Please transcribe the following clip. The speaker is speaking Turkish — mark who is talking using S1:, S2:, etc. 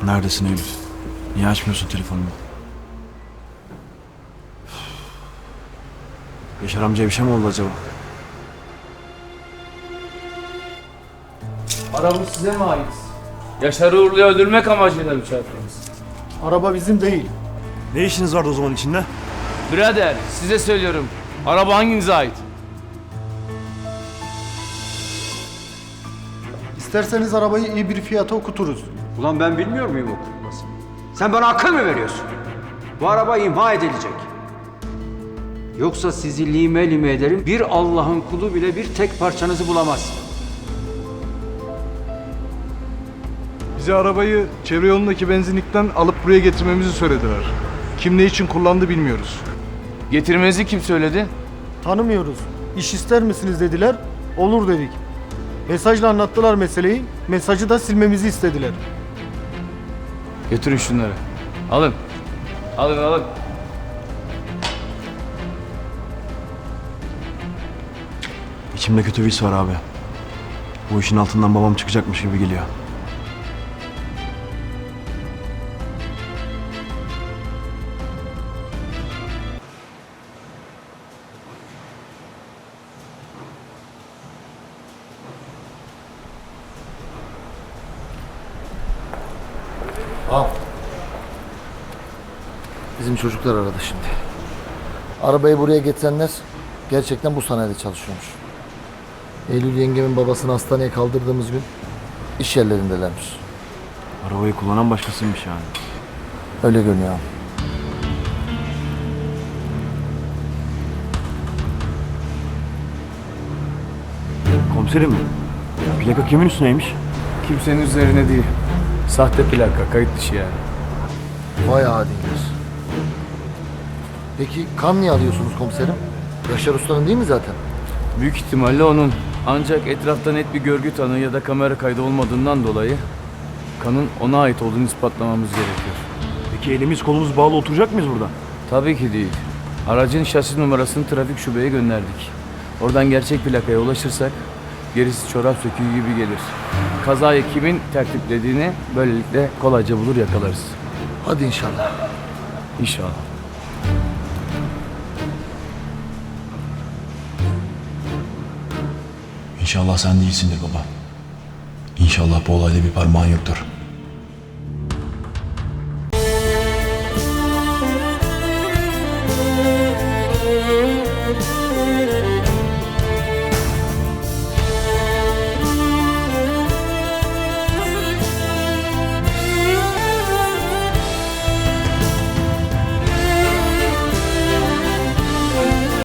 S1: Neredesin Eylül? Niye açmıyorsun telefonumu? Yaşar amcaya bir şey mi oldu acaba?
S2: Araba size mi ait? Yaşar Uğurlu'yu öldürmek amacıyla mı çarptınız?
S3: Araba bizim değil.
S1: Ne işiniz vardı o zaman içinde?
S2: Birader, size söylüyorum. Araba hanginize ait?
S3: İsterseniz arabayı iyi bir fiyata okuturuz.
S4: Ulan ben bilmiyor muyum okutmasını? Sen bana akıl mı veriyorsun? Bu araba imha edilecek. Yoksa sizi lime lime ederim, bir Allah'ın kulu bile bir tek parçanızı bulamaz.
S5: Bize arabayı çevre yolundaki benzinlikten alıp buraya getirmemizi söylediler. Kim ne için kullandı bilmiyoruz.
S2: Getirmenizi kim söyledi?
S3: Tanımıyoruz. İş ister misiniz dediler. Olur dedik. Mesajla anlattılar meseleyi. Mesajı da silmemizi istediler.
S2: Götürün şunları. Alın. Alın.
S1: İçimde kötü bir his var abi. Bu işin altından babam çıkacakmış gibi geliyor.
S6: Bizim çocuklar aradı şimdi. Arabayı buraya getirenler gerçekten bu sanayide çalışıyormuş. Eylül yengemin babasını hastaneye kaldırdığımız gün iş yerlerindelermiş.
S1: Arabayı kullanan başkasıymış yani.
S6: Öyle görünüyor abi.
S1: Komiserim, plaka kimin üstüneymiş?
S2: Kimsenin üzerine değil. Sahte plaka, kayıt dışı yani.
S6: Vay adiler. Peki kan niye alıyorsunuz komiserim? Yaşar Usta'nın değil mi zaten?
S2: Büyük ihtimalle onun. Ancak etrafta net bir görgü tanığı ya da kamera kaydı olmadığından dolayı kanın ona ait olduğunu ispatlamamız gerekiyor.
S1: Peki elimiz kolumuz bağlı oturacak mıyız burada?
S2: Tabii ki değil. Aracın şasi numarasını trafik şubeye gönderdik. Oradan gerçek plakaya ulaşırsak gerisi çorap söküğü gibi gelir. Kazayı kimin tertiplediğini böylelikle kolayca bulur yakalarız.
S6: Hadi inşallah.
S2: İnşallah.
S1: İnşallah sen değilsindir baba. İnşallah bu olayda bir parmağın yoktur.